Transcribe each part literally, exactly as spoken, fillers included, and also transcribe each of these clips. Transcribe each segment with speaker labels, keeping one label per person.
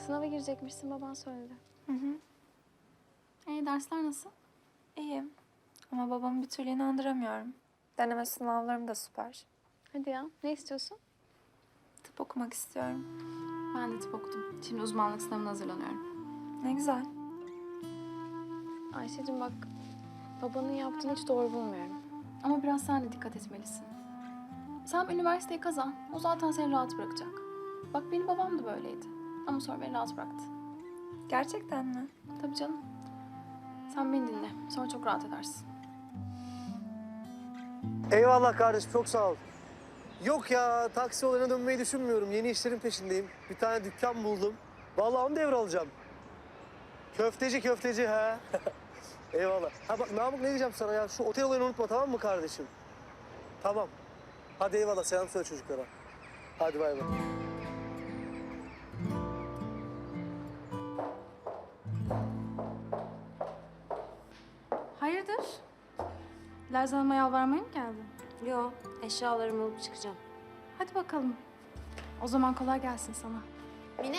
Speaker 1: Sınava girecekmişsin, baban söyledi.
Speaker 2: Hı hı.
Speaker 1: E, dersler nasıl?
Speaker 2: İyiyim. Ama babamı bir türlü inandıramıyorum. Deneme sınavlarım da süper.
Speaker 1: Hadi ya, ne istiyorsun?
Speaker 2: Tıp okumak istiyorum.
Speaker 1: Ben de tıp okudum. Şimdi uzmanlık sınavına hazırlanıyorum.
Speaker 2: Ne güzel.
Speaker 1: Ayşe'cim bak, babanın yaptığını hiç doğru bulmuyorum. Ama biraz sen de dikkat etmelisin. Sen üniversiteyi kazan, o zaten seni rahat bırakacak. Bak benim babam da böyleydi. Ama sonra beni rahat bıraktı.
Speaker 2: Gerçekten mi?
Speaker 1: Tabii canım. Sen beni dinle, sonra çok rahat edersin.
Speaker 3: Eyvallah kardeşim, çok sağ ol. Yok ya, taksi olayına dönmeyi düşünmüyorum. Yeni işlerin peşindeyim. Bir tane dükkan buldum. Vallahi onu devralacağım. Köfteci köfteci ha. Eyvallah. Ha bak Namık, ne diyeceğim sana ya? Şu otel olayını unutma, tamam mı kardeşim? Tamam. Hadi eyvallah, selam söyle çocuklara. Hadi bay bay.
Speaker 1: Hayırdır? Lerzan Hanım'a yalvarmaya mı geldin?
Speaker 4: Yo, eşyalarımı alıp çıkacağım.
Speaker 1: Hadi bakalım. O zaman kolay gelsin sana.
Speaker 4: Mine.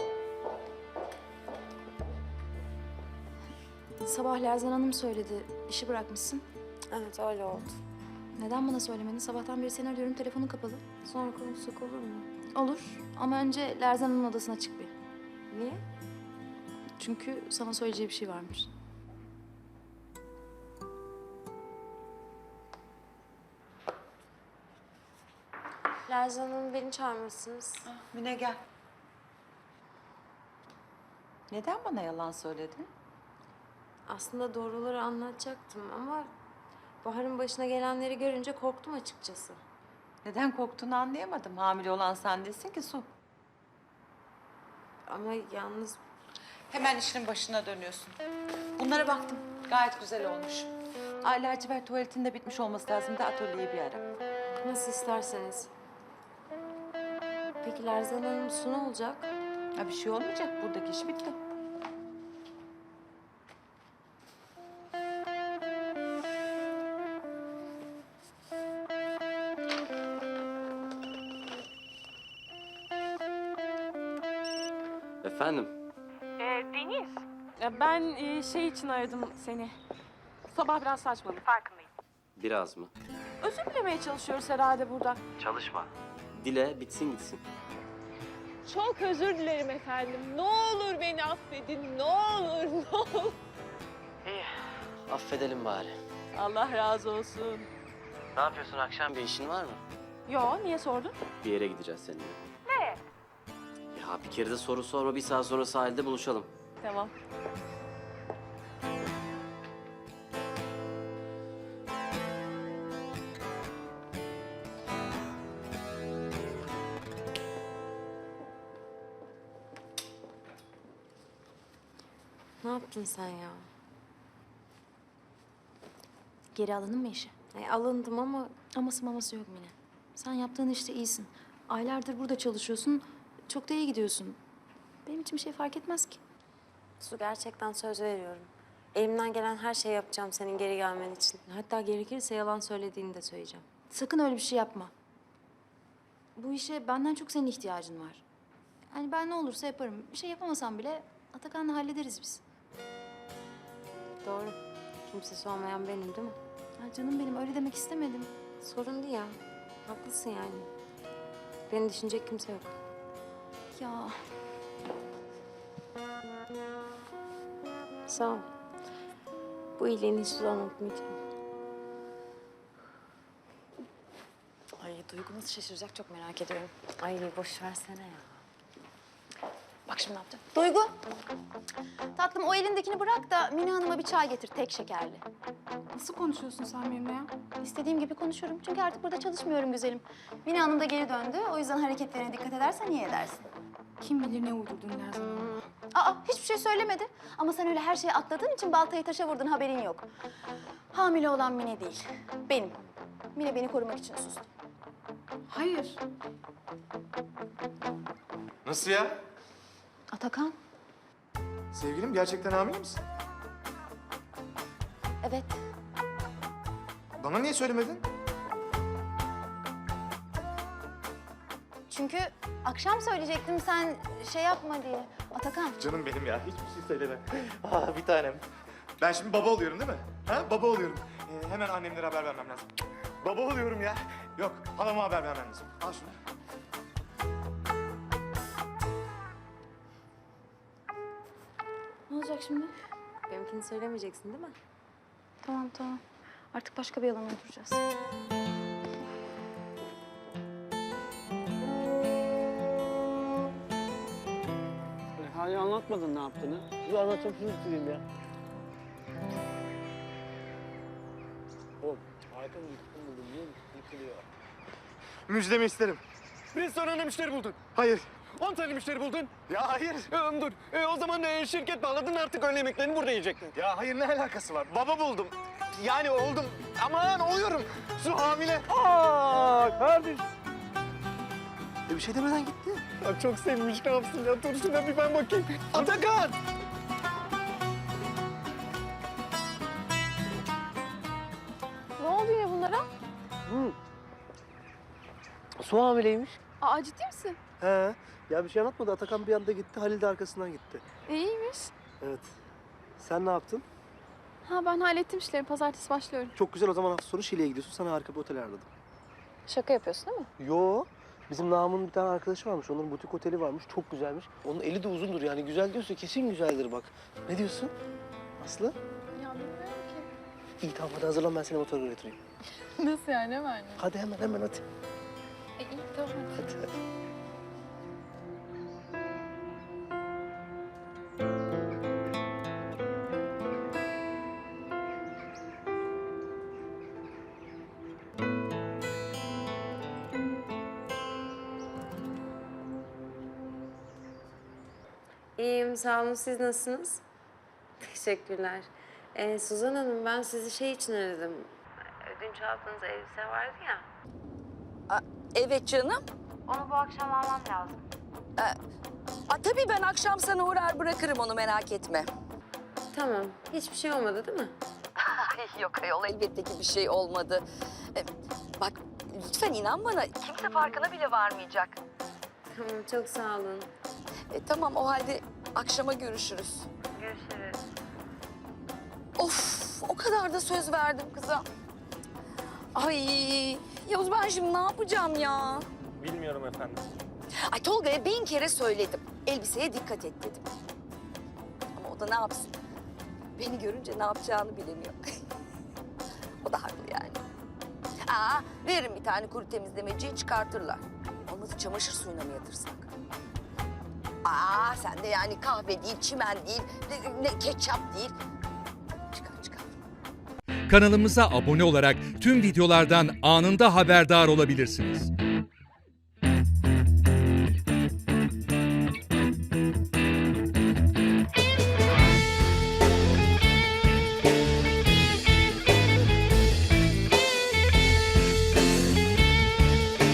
Speaker 1: Sabah Lerzan Hanım söyledi, işi bırakmışsın.
Speaker 4: Evet, öyle oldu.
Speaker 1: Neden bana söylemedin? Sabahtan beri seni arıyorum, telefonun kapalı.
Speaker 4: Sonra konuşsak olur mu?
Speaker 1: Olur ama önce Lerzan Hanım'ın odasına çık bir.
Speaker 4: Niye?
Speaker 1: Çünkü sana söyleyeceği bir şey varmış.
Speaker 4: Lerzan Hanım, beni çağırmışsınız.
Speaker 5: Mine gel. Neden bana yalan söyledin?
Speaker 4: Aslında doğruları anlatacaktım ama... Bahar'ın başına gelenleri görünce korktum açıkçası.
Speaker 5: Neden korktuğunu anlayamadım. Hamile olan sen değilsin ki Su.
Speaker 4: Ama yalnız
Speaker 5: Hemen işinin başına dönüyorsun. Bunlara baktım. Gayet güzel olmuş. Ay lacivert tuvaletin de bitmiş olması lazım da atölyeyi bir ara.
Speaker 4: nasıl isterseniz. Peki Lerzan Hanım, su ne olacak?
Speaker 5: Ha, bir şey olmayacak. Buradaki iş bitti.
Speaker 6: Efendim?
Speaker 7: Ee, Deniz, ya ben e, şey için aradım seni. Sabah biraz saçmalık, farkındayım.
Speaker 6: Biraz mı?
Speaker 7: Özür dilemeye çalışıyoruz herhalde burada.
Speaker 6: Çalışma. Dile, bitsin gitsin.
Speaker 7: Çok özür dilerim efendim. Ne olur beni affedin, ne olur, ne olur.
Speaker 6: İyi. Affedelim bari.
Speaker 7: Allah razı olsun.
Speaker 6: Ne yapıyorsun, akşam bir işin var mı?
Speaker 7: Yo, niye sordun?
Speaker 6: Bir yere gideceğiz seninle.
Speaker 7: Ne?
Speaker 6: Ya bir kere de soru sorma, bir saat sonra sahilde buluşalım.
Speaker 7: Tamam.
Speaker 4: Ne yaptın sen ya?
Speaker 1: Geri alındın mı işe?
Speaker 4: Ay, alındım ama
Speaker 1: Aması maması yok Mine. Sen yaptığın işte iyisin. Aylardır burada çalışıyorsun, çok da iyi gidiyorsun. Benim için bir şey fark etmez ki.
Speaker 4: Su, gerçekten söz veriyorum. Elimden gelen her şeyi yapacağım senin geri gelmen için. Hatta gerekirse yalan söylediğini de söyleyeceğim.
Speaker 1: Sakın öyle bir şey yapma. Bu işe benden çok senin ihtiyacın var. Yani ben ne olursa yaparım. Bir şey yapamasam bile Atakan'la hallederiz biz.
Speaker 4: Doğru. Kimsesi olmayan benim değil mi?
Speaker 1: Ya canım benim, öyle demek istemedim.
Speaker 4: Sorun değil ya. Haklısın yani. Beni düşünecek kimse yok.
Speaker 1: Ya
Speaker 4: Sağ ol. Bu iyiliğini hiç zaman unutmayacağım.
Speaker 1: ay Duygu nasıl şaşıracak çok merak ediyorum.
Speaker 4: Ay boş versene ya.
Speaker 1: Bak şimdi ne yapacağım. Duygu. Tatlım o elindekini bırak da Mine Hanım'a bir çay getir tek şekerli.
Speaker 8: Nasıl konuşuyorsun sen benimle ya?
Speaker 1: İstediğim gibi konuşurum çünkü artık burada çalışmıyorum güzelim. Mine Hanım da geri döndü. O yüzden hareketlerine dikkat edersen iyi edersin.
Speaker 8: Kim bilir ne uydurdun Lerzan Hanım'a.
Speaker 1: Aa hiçbir şey söylemedi. Ama sen öyle her şeyi atladığın için baltayı taşa vurdun, haberin yok. Hamile olan Mine değil, benim. Mine beni korumak için sustu.
Speaker 8: Hayır.
Speaker 9: Nasıl ya?
Speaker 1: Atakan?
Speaker 9: Sevgilim, gerçekten hamile misin?
Speaker 1: Evet.
Speaker 9: Bana niye söylemedin?
Speaker 10: Çünkü akşam söyleyecektim sen şey yapma diye. Atakan.
Speaker 9: Canım benim ya. Hiçbir şey söyleme. Aa, bir tanem. Ben şimdi baba oluyorum değil mi? Ha? Baba oluyorum. Ee, hemen annemlere haber vermem lazım. Baba oluyorum ya. Yok, halama haber vermem lazım. Al şunu.
Speaker 1: Ne olacak şimdi?
Speaker 4: Benimkini söylemeyeceksin değil mi?
Speaker 1: Tamam tamam. Artık başka bir yalana oturacağız.
Speaker 11: Hala anlatmadın ne yaptığını.
Speaker 3: Bir anlatacağım şunu isteyeyim ya. Oğlum harika bir yıkım buldum biliyor musun? Yıkılıyor.
Speaker 9: Müjdemi isterim.
Speaker 3: Bir sonra ne müşteri buldun?
Speaker 9: Hayır.
Speaker 3: on tane müşteri buldun.
Speaker 9: Ya hayır.
Speaker 3: Ee, dur. Ee, o zaman e, şirket bağladın artık öğle yemeklerini burada yiyecekler.
Speaker 9: Ya hayır, ne alakası var? Baba buldum. Yani oldum. Aman oluyorum. Su hamile.
Speaker 3: Aa kardeş. E, bir şey demeden gitti. Ya çok sevmiş ne yapsın ya. Dur şuna bir ben bakayım. Atakan!
Speaker 1: Ne oldu ya bunlara?
Speaker 3: Hı. Su hamileymiş.
Speaker 1: Aa ciddi misin?
Speaker 3: He. Ya bir şey anlatmadı. Atakan bir anda gitti. Halil de arkasından gitti.
Speaker 1: İyiymiş.
Speaker 3: Evet. Sen ne yaptın?
Speaker 1: Ha ben hallettim işleri. Pazartesi başlıyorum.
Speaker 3: Çok güzel. O zaman hafta sonu Şile'ye gidiyorsun. Sana harika bir otel ayarladım.
Speaker 1: Şaka yapıyorsun değil mi?
Speaker 3: Yo. Bizim Namık'ın bir tane arkadaşı varmış. Onların butik oteli varmış. Çok güzelmiş. Onun eli de uzundur yani. Güzel diyorsa kesin güzeldir bak. Ne diyorsun? Aslı?
Speaker 1: Ya bilmiyorum ki.
Speaker 3: İyi tamam hadi hazırlan ben seni motora götüreyim.
Speaker 1: Nasıl yani hemen?
Speaker 3: Hadi hemen hemen hadi.
Speaker 1: E, iyi tamam hadi.
Speaker 3: Hadi hadi.
Speaker 4: İyiyim, sağ olun. Siz nasılsınız? Teşekkürler. Ee, Suzan Hanım, ben sizi şey için aradım. Ödünç aldığınız elbise vardı ya.
Speaker 12: Evet canım.
Speaker 4: Onu bu akşam almam lazım.
Speaker 12: A, tabii ben akşam sana uğrar bırakırım onu, merak etme.
Speaker 4: Tamam. Hiçbir şey olmadı değil mi?
Speaker 12: Yok ayol, elbette ki bir şey olmadı. E, bak lütfen inan bana, kimse farkına bile varmayacak.
Speaker 4: Tamam, çok sağ olun.
Speaker 12: E, tamam o halde akşama görüşürüz.
Speaker 4: Görüşürüz.
Speaker 12: Of, o kadar da söz verdim kıza. Ay Yavuz, ben şimdi ne yapacağım ya?
Speaker 3: Bilmiyorum efendim.
Speaker 12: Ay Tolga'ya bin kere söyledim. Elbiseye dikkat et dedim. Ama o da ne yapsın? Beni görünce ne yapacağını bilemiyor. O da haklı yani. Aa, veririm bir tane kuru temizlemeciyi, çıkartırlar. Olmadı çamaşır suyuna mı yatırsak? Aa, sen de yani kahve değil, çimen değil, ne, ne ketçap değil. Çıkar çıkar.
Speaker 13: Kanalımıza abone olarak tüm videolardan anında haberdar olabilirsiniz.